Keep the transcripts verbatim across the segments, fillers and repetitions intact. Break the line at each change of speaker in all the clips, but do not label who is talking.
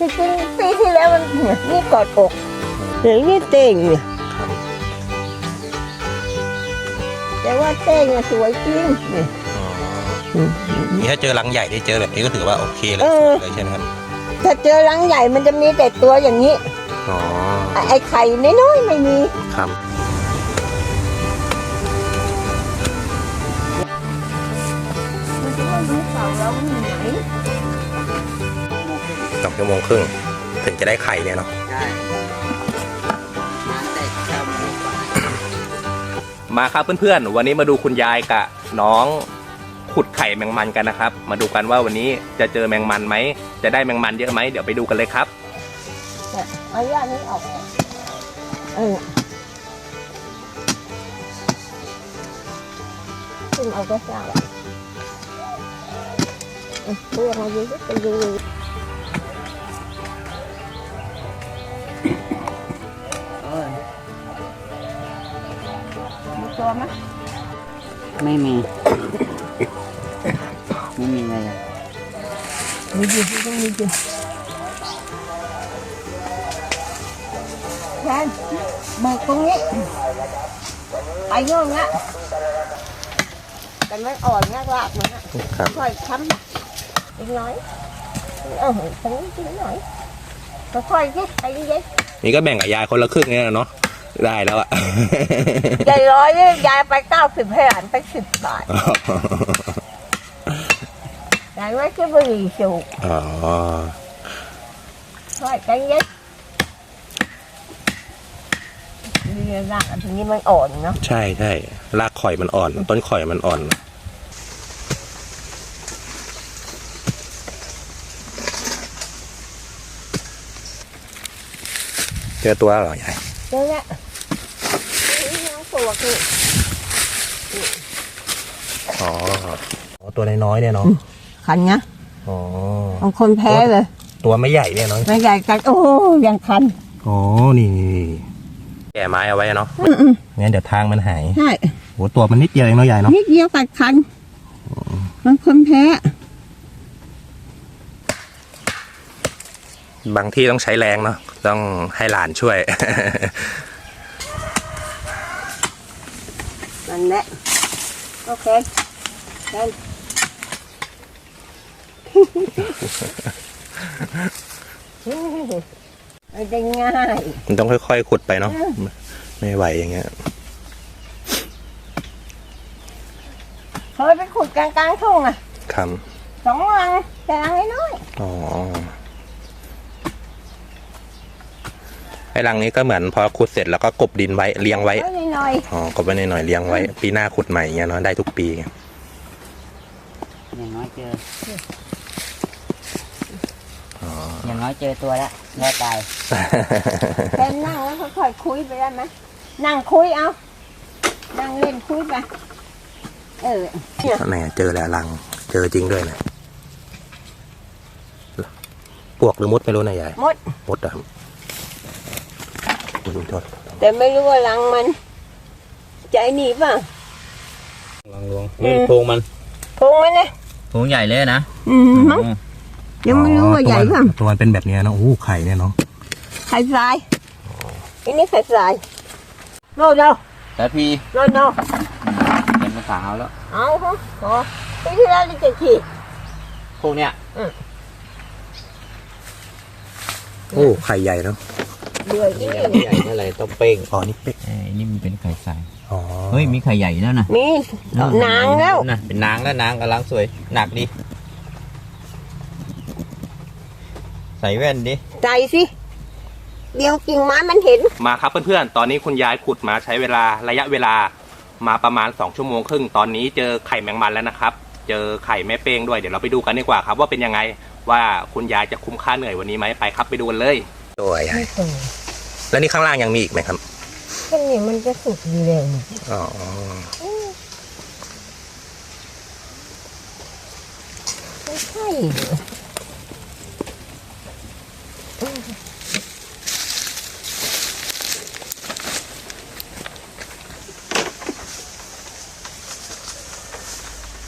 จริงๆปีที่แล้วมันเนี่ยนี่กอดอกหรือนี่เต่งเนี่ยแต่ว่าเต่งอะสวยจริงเนี่ย
นี่ถ้าเจอรังใหญ่ได้เจอแบบนี้ก็ถือว่าโอเคเลยเลยใช่ไหมครับ
ถ้าเจอรังใหญ่มันจะมีแต่ตัวอย่างนี้
อ๋อ
ไอ้ไข่น้อยๆไม่มี
ครับ
มันจะไม่รู้เปล่าเราอยู่ไหน
สองชั่วโมงครึ่งถึงจะได้ไข่เนี่ยเนาะมาครับเพื่อนๆวันนี้มาดูคุณยายกับน้องขุดไข่แมงมันกันนะครับมาดูกันว่าวันนี้จะเจอแมงมันไหมจะได้แมงมันเยอะไหมเดี๋ยวไปดูกันเลยครับ
เอาย่านี้ออกเออขึ้นเอาก็ได้เพื่อมาดูไปดูมีตัวไหม
ไม่มี ไม่มีอะไรเลย
มีอยู่ที่ต้องมีอยู่แทนเบิกตรงนี้ไปโน่นนะแต่มันอ่อนมากลากมันอ่ะค่อยค้ำอีกน้อยเออตรงนี้อีกหน่อยค่อยๆที่ไปเย็น
นี่ก็แบ่งกับยายคนละครึ่งเนี่ยเนาะได้แล้วอะ
ยายร้อยเนี่ยยายไปเก้าสิบให้หลานไปสิบบาทยายไม่ใช่บุหรี่สูบอ๋อค่อยใจเย็นนี่รากอันนี้มันอ่อนเนาะ
ใช่ใช่รากข่อยมันอ่อนต้นข่อยมันอ่อนเจอตัวหรอยาย
เจอแล้วนี่น้องตัวคือ
อ๋อตัวน้อยๆเนี่ยเนาะ
คันนะ
อ๋อบ
างคนแพ้เลย
ตัวไม่ใหญ่เนี่ยเนาะ
ไม่ใหญ่กันโอ้ยังคัน
อ๋อนี่แก่ไม้เอาไว้เนาะงั้นเดี๋ยวทางมันหาย
ใช่
โหตัวมันนิดเดียวเองเนาะยายเนาะ
นิดเดียวกัดคันบางคนแพ้
บางที่ต้องใช้แรงเนาะต้องให้หลานช่วย
นั่นแหละโอเคนั่นไม่ได้ง่าย
มันต้องค่อยๆขุดไปเนาะไม่ไหวอย่างเงี้ย
เคยไปขุดกลางๆทุ่งอ่ะ
ครับ
สองรังแต่รังน้อย
อ๋อไอ้รังนี้ก็เหมือนพอขุดเสร็จแล้วก็กบดินไว้เลี้ยงไว้อ๋อกบไว้หน่อยๆเลี้ยงไว้ปีหน้าขุดใหม่เงี้ยเนาะได้ทุกปี
อย่างน้อยเจออย่างน้อยเจอตัวแล้วรอดตาย
แค่นั่งแล้วค่อยๆคุยไปได้ไหมนั่งคุยเอานั่งเล่นคุยไปเออ
เนี่ยเจอแล้วรังเจอจริงด้วยนะปวกหรือมดไม่รู้นะยาย
มด
มดอะ
แต่ไม่รู้ว่ารังมันใจหนีป่ะ
รังลวงนี่โพรงมัน
โพรงมันนะ
โพรงใหญ่เลยนะ
อืมมั้งยังไม่รู้ว่าใหญ่ป่ะ
ตัวมันเป็นแบบนี้เนาะโอ้ไข่เนี่ยเนาะ
ไข่ทรายอันนี้ไข่ทรายโน่โน่
แต่พี่
โน่โน่
เป็นภาษาแล้ว
เอาฮะอ๋อปีที่แล้วนี่เจ็ดขีด
พวกเนี้ย
โอ้ไข่ใหญ่เนาะ
เดือยนี่
ใหญ่อะไรต้องเป้ง
อ๋อนี่เป้ง
นี่มันเป็นไข่ทรายอ๋อเฮ้ยมีไข่ใหญ่แล้วนะ
มีนางแล้ว
นะเป็นนางแล้วนางกำลังสวยหนักดิใส่แว่นดิ
ใส่สิเดี๋ยวกิ่งไม้มันเห็น
มาครับเพื่อนๆตอนนี้คุณยายขุดมาใช้เวลาระยะเวลามาประมาณสองชั่วโมงครึ่งตอนนี้เจอไข่แมงมันแล้วนะครับเจอไข่แม่เป้งด้วยเดี๋ยวเราไปดูกันดีกว่าครับว่าเป็นยังไงว่าคุณยายจะคุ้มค่าเหนื่อยวันนี้ไหมไปครับไปดูกันเลยตัวใหญ่แล้วนี่ข้างล่างยังมีอีกไหมครับ
แค่นี้มันจะสุกดีเลยอ๋อไม่ใช่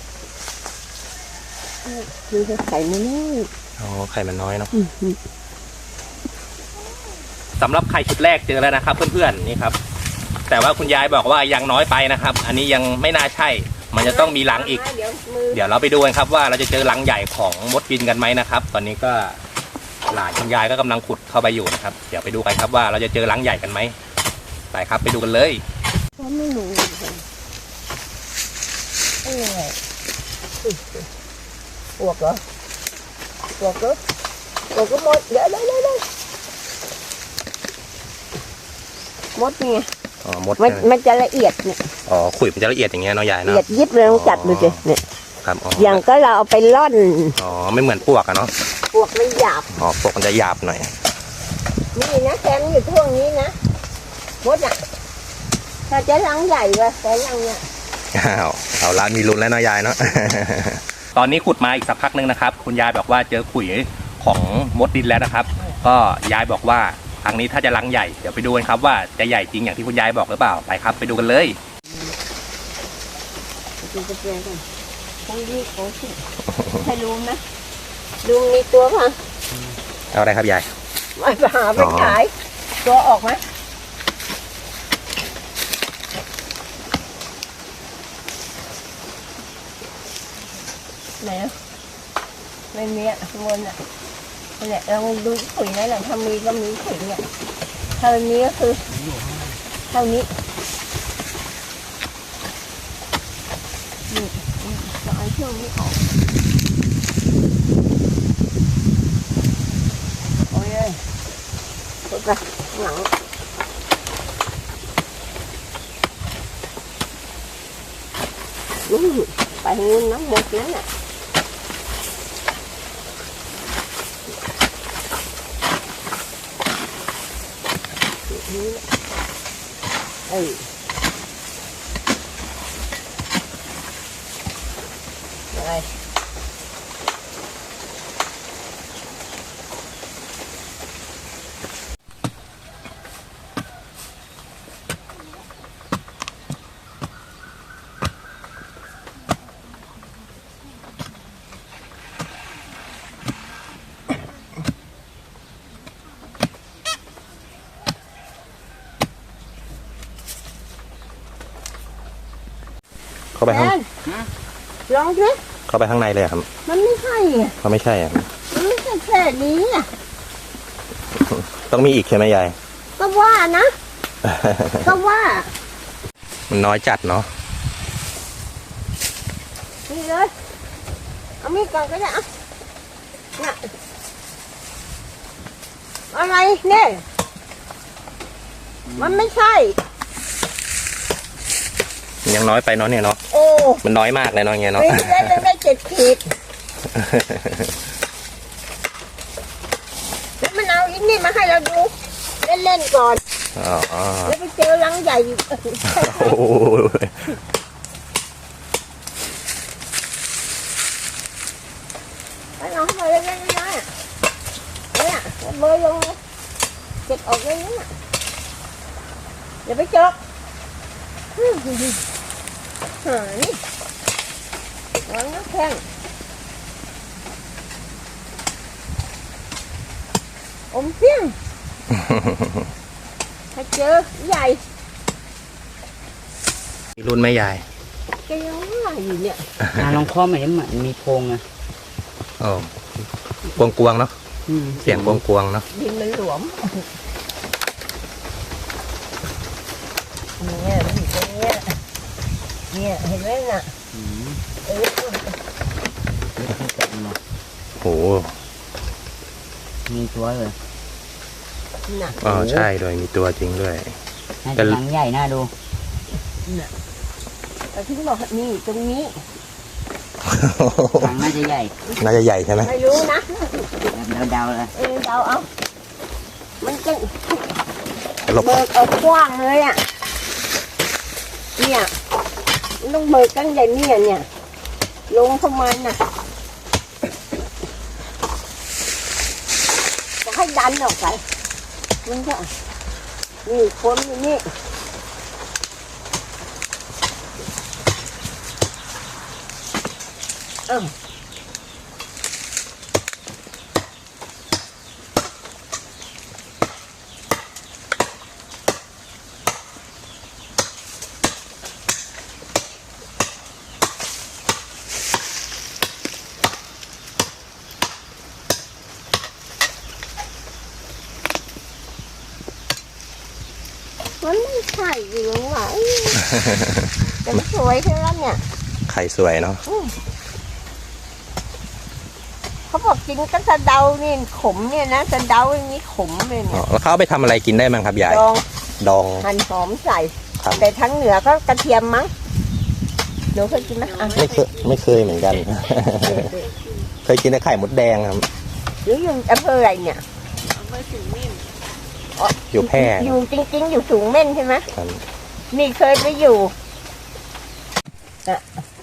คือไข่มันน้อย
อ๋อไข่มันน้อยเนาะสำหรับไข่ชุดแรกเจอแล้วนะครับ เพื่อนๆนี่ครับแต่ว่าคุณยายบอกว่ายังน้อยไปนะครับ อันนี้ยังไม่น่าใช่มันจะต้องมีรังอีก
เดี๋ยวมือ
เดี๋ยวเราไปดูกันครับว่าเราจะเจอรังใหญ่ของมดบินกันไหมนะครับ ตอนนี้ก็หลานคุณยายก็กำลังขุดเข้าไปอยู่นะครับเดี๋ยวไปดูกันครับว่าเราจะเจอรังใหญ่กันไหมไปครับไปดูกันเลย
เขาไม่รู้เลยไม่เหนื่อยปวกเหรอปวกก็ปวกก็หมดเดี๋ยวเดี๋ยวเดี๋ยวเดี๋ยวมดนี่ไง
อ๋อมด
มันมันจะละเอียดเนี่ย
อ๋อขุยมันจะละเอียดอย่างเงี้ยเนาะยาย
ละ
เนาะ
เอียดยิบเลยต้องจับดูสิเนี่ย
ครับอ๋อ
อย่างก็เราเอาไปร่อน
อ๋อไม่เหมือนปวกอะเนาะ
ปวกมันหยาบ
อ๋อปวกมันจะหยาบหน่อย
นี่นะแกมอยู่ช่วงนี้นะมดอ่ะถ้าจะรังใหญ่กว่าแต่รังเนี่ย
อ้าวเอาละมีลุ้นแล้วเนาะยายเนาะ ตอนนี้ขุดมาอีกสักพักนึงนะครับคุณยายบอกว่าเจอขุยของมดดินแล้วนะครับ ก็ยายบอกว่าครั้งนี้ถ้าจะรังใหญ่เดี๋ยวไปดูกันครับว่าจะใหญ่จริงอย่างที่คุณยายบอกหรือเปล่าไปครับไปดูกันเลย
กินกาแฟกันคงดีโอ้ชิให้ลุงนะลุงมีตัวป่ะ
เอาอะไรครับยาย
ไม่ไปหาไปขายตัวออกไหมไหนอ่ะไม่มีอ่ะข้างบนอ่ะนี่นแหละเราดูขุยนั่นแหละถ้ามีก็มีขุยเนี่ยถ้าไม่มีก็คือเท่านี้นี่นี่เราเอาช่วงนี้ออกโอ้ยปุ๊บไปหลังอืมไปงูน้ำหมดนั่นน่ะเอ้ยอะไร
เข้าไปข้าง
แอนลองสิ
เข้าไปข้างในเลยครับ
มันไม่ใช่ไง
เขาไม่ใช่อะ
มันไม่ใช่แค่นี้อ่ะ
ต้องมีอีกใช่ไหมยาย
ก็ว่านะ ก็ว่า
มันน้อยจัดเนาะ
นี่เลยเอามีดก่อนก็ได้อะน่ะอะไรเนี่ยมันไม่ใช่
มันยังน้อยไปเนาะเนี่ยเนาะ
โอ้
มันน้อยมากเลยเนาะเงี้ยเนาะ
ปีที่แล้วยังได้เจ็ดขีดแล้วมันเอาอินนี่มาให้เราดูเล่นๆก่อน
อ๋อ
แล้วไปเจอรังใหญ่อยู่
โอ้ย
ไปลองมาเล่นๆนะเนี่ยเบยลงเลยเก็บออกเลยนะอย่าไปจกหานี่วางน้ำแข็งอมเสี้ยงถ้าเจอใหญ่
มีรุ่นไหมยาย
ก็ยังว่าอยู่เนี่ย
อ่าลองเคาะใหม่เหมือนมีโพรงอะ
โอ้กวงกวงๆเนาะ
อืม
เสียงกวงกวงๆเนาะ
ดินมันหลวมเนี่ยมันอยู่ตรงเนี้ยเนี่ยเห็นไหมน่ะ
อืม
เออ
โอ้
มีตัวเลย
น่ะ
อ๋อใช่ด้วยมีตัวจริงด้วย
น่าจะหลังใหญ่น่าดู
น่ะแต่ที่บอกนี่ตรงนี้
หลังน่าจะใหญ่
น่าจะใหญ่ใช่ไหม
ไม่รู้นะ
เดาๆเลย
เออเดาเอามันจะ
หลบ
เบิกเอากว้างเลยอ่ะเนี่ยมันต้องเบิกตั้งใหญ่เนี่ยเนี่ยลงเข้ามาน่ะจะให้ดันออกไปมันก็นี่คนอยู่นี่เออมันไม่ใช่อยู่หรอก แต่มันสวยใช่ไหมเนี่ย
ไข่สวยเนาะ
เขาบอกกินก็สะเดานี่ขมเนี่ยนะสะเดาอย่างนี้ขมเลย
อ๋
เนี่
อย แล้วเขาเอาไปทำอะไรกินได้มั้งครับยาย
ดอง
ดอง
หั่นหอมใส่
ครับ
แต่ทั้งเหนือก็กระเทียมมั้งหนูเคยกินไหมอ่ะ
ไม่เคยไม่เคยเหมือนกัน เคยกินแต่ไข่มดแดงครับ
หรืออยู่อำเภออะไรเนี่ย
อยู่แพร่
อยู่จริงๆ อยู่สูงเม่นใช่ไหม
ครับ
นี่เคยไปอยู่อ่ะ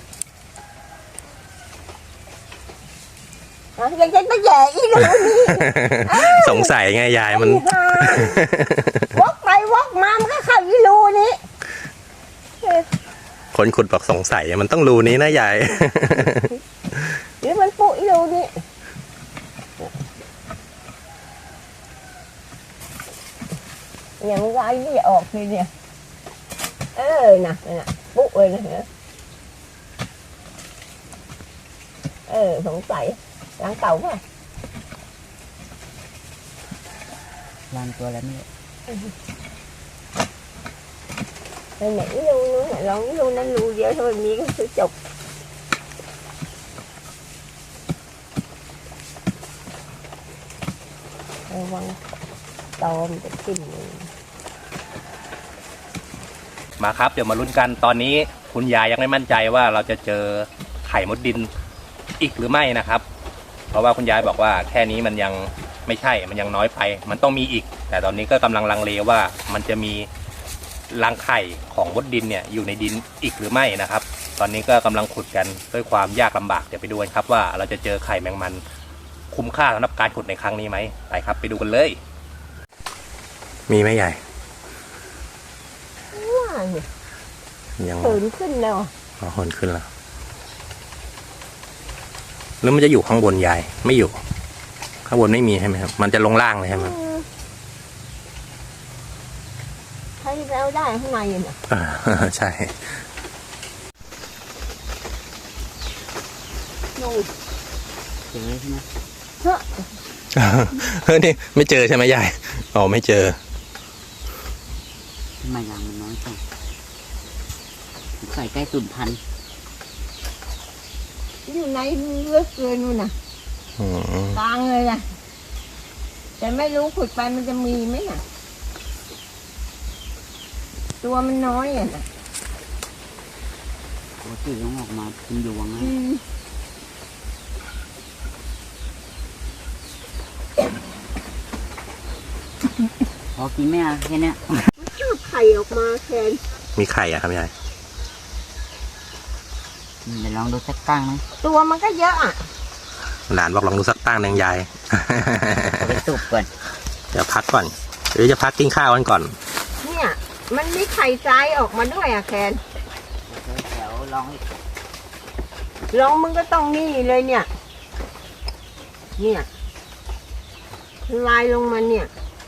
อ่ะยังจะไปแย่อีกเหรอนี่
สงสัยไงยายมัน
ไอ้ห่าวกไปวกมามันก็เข้าอีรูนี้
คนขุดบอกสงสัยมันต้องรูนี้นะยาย
หรือมันปุอีรูนี้อย่างไรนี่ออกเลยเนี่ยเออน่ะน่ะปุเลยนะเนี่ยเออสงสัยล้างเต่าป่ะ
ล้างตัวแล้วนี่
ไหนรูนู้นลองรูนั้นรูเดียวเท่านี้ก็คือจบระวังตอมจะกิน
มาครับเดี๋ยวมาลุ้นกันตอนนี้คุณยายยังไม่มั่นใจว่าเราจะเจอไข่มดดินอีกหรือไม่นะครับ เพราะว่าคุณยายบอกว่าแค่นี้มันยังไม่ใช่มันยังน้อยไป มันต้องมีอีก แต่ตอนนี้ก็กำลังลังเลว่ามันจะมีรังไข่ของมดดินเนี่ยอยู่ในดินอีกหรือไม่นะครับ ตอนนี้ก็กำลังขุดกันด้วยความยากลำบากเดี๋ยวไปดูกันครับว่าเราจะเจอไข่แมงมันคุ้มค่าสำหรับการขุดในครั้งนี้ไหมไปครับไปดูกันเลย มีไหมยาย
ว่าเนี่ย
ยัง
ตื่นขึ้นแล้ว
อ๋อหนขึ้นแล้วแล้วมันจะอยู่ข้างบนยายไม่อยู่ ข้างบนไม่มีใช่ไหมครับมันจะลงล่างเลยใช่ไหม
ใครจะเอาได้ข้างในเนี่ย
อ่าใช่
นู่น
เจอใช่ไหม
เฮ้อ
เฮ้ยนี่ไม่เจอใช่ไหมยายอ๋อไม่เจอ
ทำไมรังมันน้อยจังใส่ใกล้สูญพันธุ์
อยู่ในเลือกเกินนู่นน่ะ
อืม
กลางเลยนะแต่ไม่รู้ขุดไปมันจะมีไหมน่ะ ตัวมันน้อยอ่ะนะ
ปกติต้องออกมาเป็นยวงนะ
อืม
พอกินไหมอ่ะแค่เนี้ย
ชอบไข่ออกมาแทน
มีไข่อะครับยาย
อืมเดี๋ยวลองดูสักตั้งนะ
ตัวมันก็เยอะอ่ะ
หลานบอกลองดูสักตั้งหนึ่งยาย
เอาไปสุกก่อน
เดี๋ยวพักก่อนหรือจะพักกินข้าวกันก่อน
เนี่ย มันมีไข่ทรายออกมาด้วยอ่ะแคน
เดี๋ยวลองอีก
ลองมึงก็ต้องนี่เลยเนี่ย เนี่ยลายลงมาเนี่ย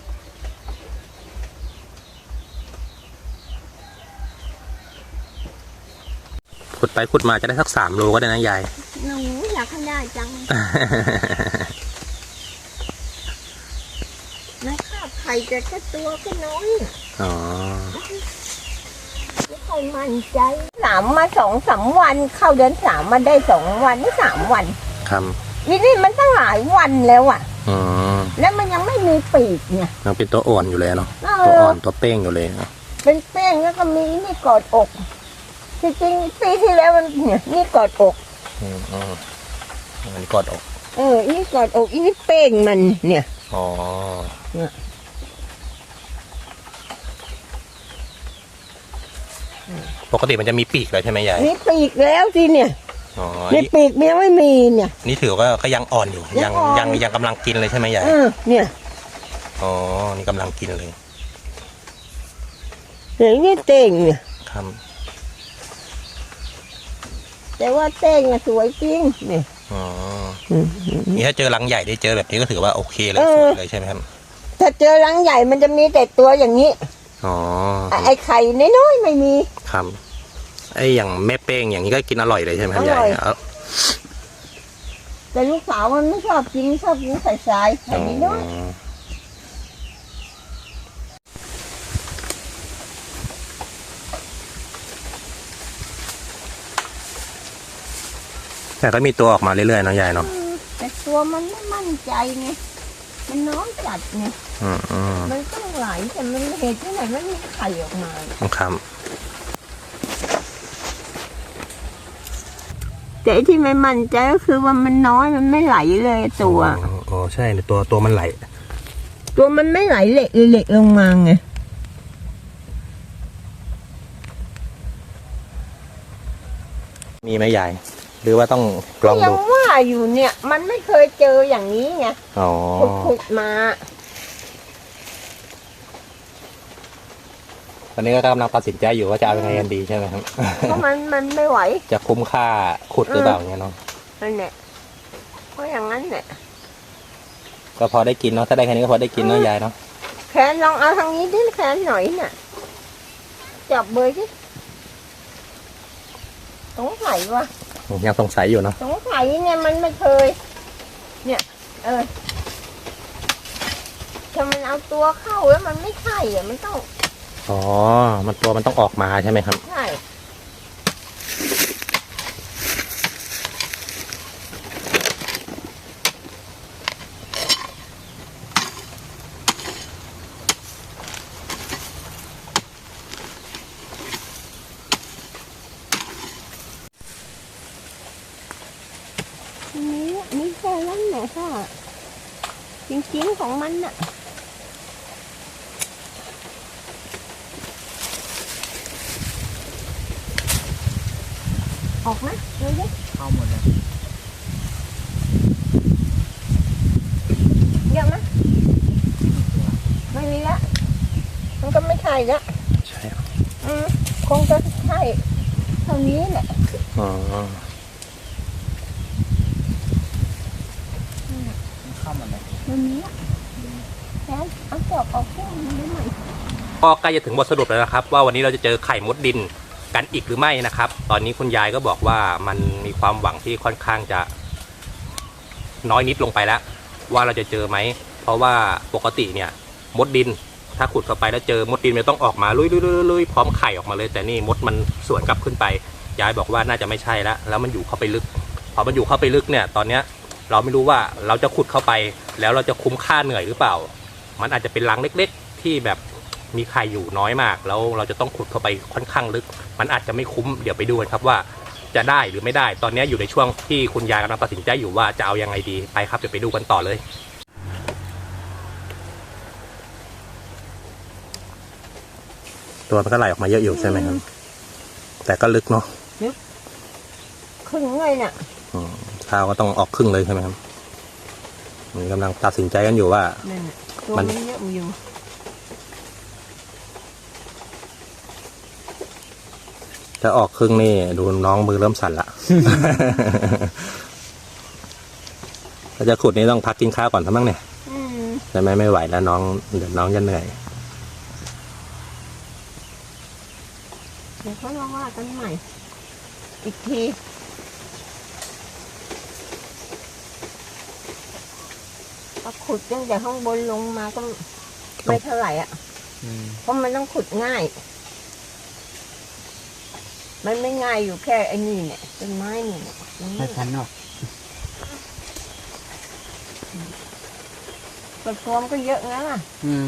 ขุดไปขุดมาจะได้สักสามโลก็ได้นะยาย
หนูอยากให้ได้จังนะข้าวไข่แต่แค่ตัวก็น้อยอะ
อ๋อ
ไม่ค่อยมั่นใจสามมาสองสามวัน เข้าเดือนสามมาได้สองวันสามวัน
ครับ
นี่นี่มันตั้งหลายวันแล้วอ่ะ
อืม
แล้วมันยังไม่มีปีกเนี่ย
ยังเป็นตัวอ่อนอยู่เลยเนาะ
เอ
ตัว
อ
อ่อนตัวเป้งอยู่เลยเนอะ
เป็นแป้งแล้วก็มีนี่กอดอกจริงๆปีที่แล้วมันเนี่ยนี่กอดอก
อืมอืมอันนี้กอดอก
เอออีนี่กอดอกอีนี่เป้งมันเนี่ย
อ๋อ
เนี่ย
ปกติมันจะมีปีกเลยใช่ไหมยาย
นี่ปีกแล้วสิเนี่ย
อ๋อ
นี่
นี่
ปีกมันยังไม่มีเนี่ย
นี่ถือว่าก็ยังอ่อนอยู่
ยั
ยัง
งอ่อน
ยังยังกำลังกินเลยใช่ไหมยาย
เออเนี่ย
อ๋อ นี่กำลังกินเลย
เดี๋ยวนี่เต่งเนี่ย
ครับ
แต่ว่าเต่งอะสวยจริงเนี่ย
อ๋อ
อืม
นี่ถ้าเจอรังใหญ่ได้เจอแบบนี้ก็ถือว่าโอเคเลย
เอ
ส
อ
วยเลยใช่ไหมครับ
ถ้าเจอรังใหญ่มันจะมีแต่ตัวอย่างนี้
อ๋อ
ไอ้ไอ้ไข่น้อยๆไม่มี
ครับไอ้อย่างแม่เป้งอย่างนี้ก็กินอร่อยเลยใช่ไหมครับ
อร่
ยาย
อย
เอา
แต่ลูกสาวมันไม่ชอบกินชอบกินใส่ทรายไข่น้อย
อแต่ก็มีตัวออกมาเรื่อยๆเนาะยายเนาะ
แต่ตัวมันไม่มั่นใจไงมันน้อยจัดไง
อืมอืม
มันต้องไหลแต่มันเหตุที่ไหนมันมีไข่ออกมา
ครับ
แต่ที่ไม่มั่นใจก็คือว่ามันน้อยมันไม่ไหลเลยตัว
อ๋อใช่ตัวตัวมันไหล
ตัวมันไม่ไหลเหล็กเหล็กลงมาไง
มีไหมยายหรือว่าต้องลอง
ยั
ดู
งว่าอยู่เนี่ย มันไม่เคยเจออย่างนี้ไง
อ๋อ
ขุดขุดมา
ตอนนี้ก็กำลังตัดสินใจอยู่ว่าจะเอายังไงกันดีใช่ไหมครับ
เพราะมันมันไม่ไหว
จะคุ้มค่าขุดหรือเปล่าเงี้ยเนาะ
นั่นแหละเพราะอย่างนั้นแหละ
ก็พอได้กินเนาะถ้าได้แค่นี้ก็พอได้กินเนาะยายเนาะ
แขนลองเอาทางนี้ดิแขนหน่อยน่ะจับเบยดิสงสัยว่ะ
ผมยังสงสัยอยู่เนาะ
สงสัยไงมันไม่เคย เนี่ย เออถ้ามันเอาตัวเข้าแล้วมันไม่ใช่อ่ะมันต้อง
อ๋อมันตัวมันต้องออกมาใช่ไหมครับ
ใช่นี่นี่แค่นั้นแหละค่ะจริงๆของมันน่ะออกไหมดูดิ
เข้าหมดเลย
เยอะไหมไม่มีละมันก็ไม่ใช่ละ
ใช่
อืมคงจะใช่เท่านี้แหละ
อ๋อ
เข้าหมดเลย
มันมีละแล้วเอาจอบออกแค่นี้ได้ไหม
ก็ใกล้จะถึงบทสรุปแล้วนะครับ ว่าวันนี้เราจะเจอไข่มดดินกันอีกหรือไม่นะครับ ตอนนี้คุณยายก็บอกว่ามันมีความหวังที่ค่อนข้างจะน้อยนิดลงไปแล้ว ว่าเราจะเจอไหมเพราะว่าปกติเนี่ยมดดินถ้าขุดเข้าไปแล้วเจอมดดินมันต้องออกมาลุยๆๆๆพร้อมไข่ออกมาเลยแต่นี่มดมันสวนกลับขึ้นไปยายบอกว่าน่าจะไม่ใช่แล้วแล้วมันอยู่เข้าไปลึกพอมันอยู่เข้าไปลึกเนี่ยตอนเนี้ยเราไม่รู้ว่าเราจะขุดเข้าไปแล้วเราจะคุ้มค่าเหนื่อยหรือเปล่า มันอาจจะเป็นรังเล็กๆที่แบบมีไข่อยู่น้อยมากแล้วเราจะต้องขุดเข้าไปค่อนข้างลึกมันอาจจะไม่คุ้มเดี๋ยวไปดูกันครับว่าจะได้หรือไม่ได้ตอนนี้อยู่ในช่วงที่คุณยายกำลังตัดสินใจอยู่ว่าจะเอายังไงดีไปครับเดี๋ยวไปดูกันต่อเลยตัวมันก็ไหลออกมาเยอะอยู่ใช่ไหมครับแต่ก็ลึกเนาะ
ครึ่งเลยเนี่ย
อืมข้าวก็ต้องออกครึ่งเลยใช่ไหมครับนี่กำลังตัดสินใจกันอยู่ว่า
นั่นน่ะตัว
มัน
มันเยอะอยู่
จะออกครึ่งนี่ดูน้องมือเริ่มสั่นละ ถ้าจะขุดนี่ต้องพักกินข้าวก่อนทั้งมั้งเนี่ย
อืม
แต่ไม่ไม่ไหวแล้วน้องเดี๋ยวน้องจะเหนื่อย
เดี๋ยวเขาลองว่ากันใหม่ อีกที ก็ขุดตั้งแต่ข้างบนลงมาก็ไม่เท่าไหร่อ่ะ
อืม
เพราะมันต้องขุดง่าย มันไม่ง่ายอยู่แค่ไอ้นี่เนี่ยต้นไม้นี่เนี่ยมัน
ไม่ทันหรอก
กระพรวมก็เยอะนะล่ะ
อืม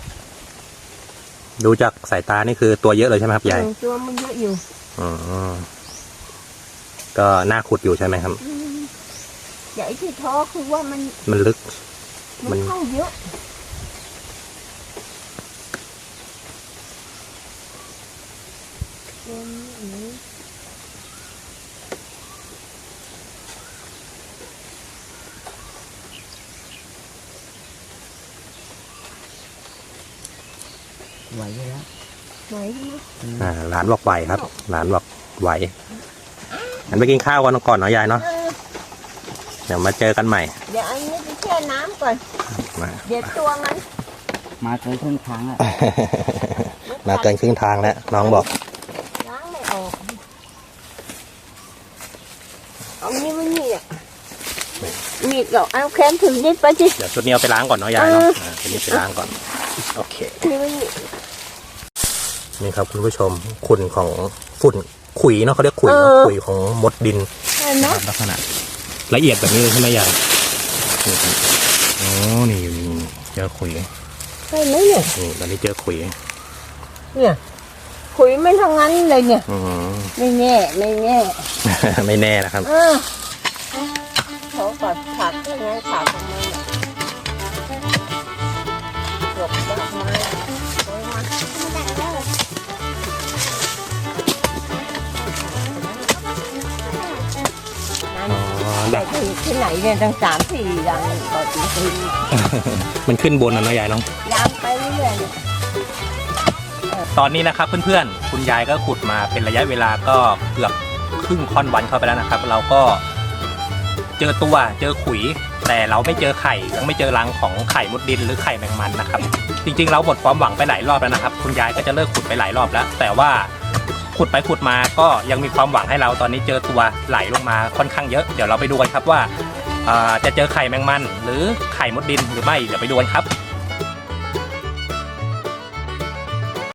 ดูจากสายตานี่คือตัวเยอะเลยใช่ไหมครับยาย
อืมตัวมันเยอะอยู่
อืมก็น่าขุดอยู่ใช่ไหมครับ
อืมใหญ่ที่ท้อคือว่ามัน
มันลึก มั
มัน นเข้าเยอะตัวนี้
ไหวอยู่แล้ว
ไหวไหม
อืม
อ่าหลานบอกไหวครับ หลานบอกไหวงั้นไปกินข้าวกันก่อนเนาะยายเนาะ
เออ
เดี๋ยวมาเจอกันใหม่
เดี๋ยวอันนี้ไปแช่น้ำก่อน
มา
เดี๋ยวตัวมัน
มาเกินครึ่งทางอ่ะ
มาเกินครึ่งทางแล้วน้องบอก
ล้างไม่ออกเอานี่มันนี่อ่ะมีดเหรอเอาแขนถึงนิดไปสิ
เดี๋ยวชุดนี้เอาไปล้างก่อนเนาะยายเนาะ
เออ
อ่าชุดนี้ไปล้างก่อนโอเค
นี่มันนี่
นี่ครับคุณผู้ชมขุ่นของฝุ่นขุยเนาะเขาเรียกขุยเนาะขุยของมดดิน
เห็นไหม
ลักษณะละเอียดแบบนี้เลยใช่ไหมยายอ๋อนี่อยู่นี่เจอขุย
เห็นไหมเนี่ย
นี่ตอนนี้เจอขุย
เนี่ยขุยไม่ทั้งนั้นเลยเนี่ย
อืม
ไม่แน่ไม่แน่
ไม่แน่นะครับ
เออเขากัดผักยังไงผักของมันเนี่ยหลบดอกไม้โอ้ยมานั่น
อ๋อ
แต่
ดัก
ที่ที่ไหนเนี่ยตั้งสามสี่อย่างต่อปีปี
มันขึ้นบนนะเนาะยายเนาะ
ยามไปเรื่อยๆเนี่ย
ตอนนี้นะครับเพื่อนๆคุณยายก็ขุดมาเป็นระยะเวลาก็เกือบครึ่งค่อนวันเข้าไปแล้วนะครับ เราก็เจอตัวเจอขุย แต่เราไม่เจอไข่ยังไม่เจอรังของไข่มดดินหรือไข่แมงมันนะครับ จริงๆเราหมดความหวังไปหลายรอบแล้วนะครับ คุณยายก็จะเลิกขุดไปหลายรอบแล้ว แต่ว่าขุดไปขุดมาก็ยังมีความหวังให้เราตอนนี้เจอตัวไหลลงมาค่อนข้างเยอะเดี๋ยวเราไปดูกันครับว่าอ่าจะเจอไข่แมงมัน หรือไข่มดดินหรือไม่เดี๋ยวไปดูกันครับ